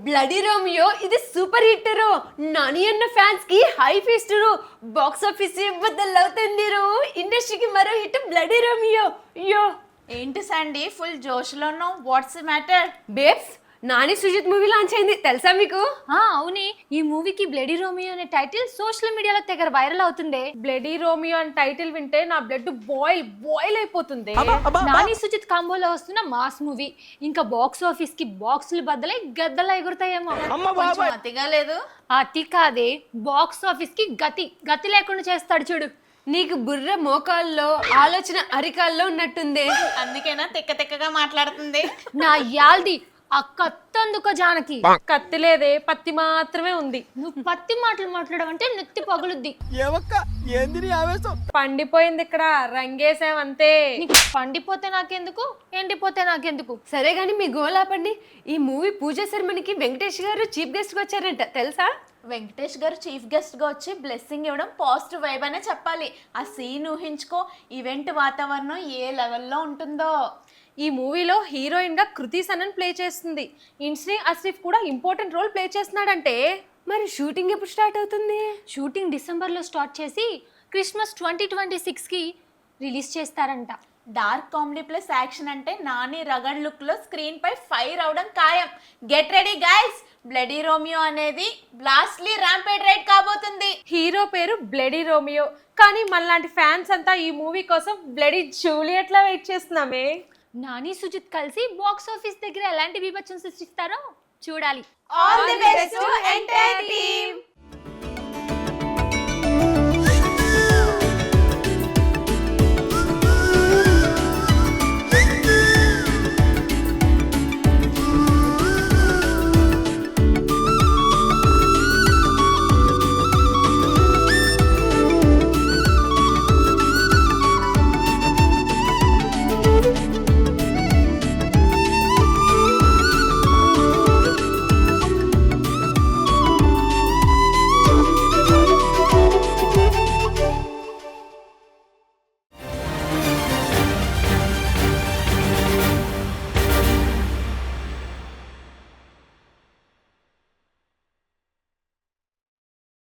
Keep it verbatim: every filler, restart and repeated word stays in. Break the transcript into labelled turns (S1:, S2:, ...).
S1: Bloody Romeo ఇది super hit రు. నాని అన్న ఫ్యాన్స్ కి హై ఫీస్ట్ రు. బాక్స్ ఆఫీస్ బద్దలవుతుంది రు. ఇండస్ట్రీకి మరో హిట్ బ్లడీ రోమియో. అయ్యో
S2: ఏంటి సండి ఫుల్ జోష్లో ఉన్నావు? What's matter?
S1: Babes, Nani Sujith movie launch అయింది తెలుసా మీకు?
S3: ఆ అవునే, ఈ మూవీకి బ్లడీ రోమియో అనే టైటిల్ సోషల్ మీడియాలో తెగ వైరల్ అవుతుంది.
S4: బ్లడీ రోమియో అని టైటిల్ వింటే నా బ్లడ్ బాయిల్ బాయిల్ అయిపోతుంది.
S3: నాని సుజిత్ కాంబోలో వస్తున్న మాస్ మూవీ ఇంకా బాక్స్ ఆఫీస్ కి బాక్సులు బద్దలై గద్దలు ఎగురుతాయేమో.
S2: కొంచెం అతిగా లేదు?
S3: అతి కాదే, బాక్స్ ఆఫీస్ కి గతి గతి లేకుండా చేస్తాడు చూడు.
S1: నీకు బుర్ర మోకాల్లో ఆలోచన అరికాల్లో ఉన్నట్టుంది.
S2: అందుకేనా తిక్క తిక్కగా మాట్లాడుతుంది?
S3: నా యాల్ది ఆ కత్తందుకో జానకి.
S4: కత్తి లేదే, పత్తి మాత్రమే ఉంది.
S3: నువ్వు పత్తి మాటలు మాట్లాడవంటే నెత్తి పగులుద్ది.
S4: పండిపోయింది ఇక్కడ, రంగేసామంతే.
S3: నీకు పండిపోతే నాకెందుకు, ఎండిపోతే నాకెందుకు?
S1: సరే గాని మీ గోలాపండి. ఈ మూవీ పూజ సెరమనీకి వెంకటేష్ గారు చీఫ్ గెస్ట్ గా వచ్చారంట తెలుసా?
S2: వెంకటేష్ గారు చీఫ్ గెస్ట్ గా వచ్చి బ్లెస్సింగ్ ఇవ్వడం పాజిటివ్ వైబ్ అనే చెప్పాలి. ఆ సీన్ ఊహించుకో, ఈవెంట్ వాతావరణం ఏ లెవెల్లో ఉంటుందో.
S4: ఈ మూవీలో హీరోయిన్ గా కృతి సనన్ ప్లే చేస్తుంది. ఇన్స్ని అసిఫ్ కూడా ఇంపార్టెంట్ రోల్ ప్లే చేస్తున్నాడంటే.
S1: మరి షూటింగ్ ఎప్పుడు స్టార్ట్ అవుతుంది?
S3: షూటింగ్ డిసెంబర్ లో స్టార్ట్ చేసి క్రిస్మస్ ట్వంటీ ట్వంటీ సిక్స్ కి రిలీజ్ చేస్తారంట.
S2: డార్క్ కామెడీ ప్లస్ యాక్షన్ అంటే నాని రగడ్ లుక్ లో స్క్రీన్ పై ఫైర్ అవడం ఖాయం. Get ready guys, bloody Romeo అనేది బ్లాస్ట్లీ ర్యాంపేడ్ రైడ్ కాబోతుంది.
S4: హీరో పేరు బ్లడీ రోమియో, కానీ మనలాంటి ఫ్యాన్స్ అంతా ఈ మూవీ కోసం బ్లడీ జూలియట్ లా వెయిట్ చేస్తున్నామే.
S3: నాని సుజిత్ కలిసి బాక్స్ ఆఫీస్ దగ్గర ఎలాంటి బీభత్సం సృష్టిస్తారో చూడాలి.
S2: All the best to entire team.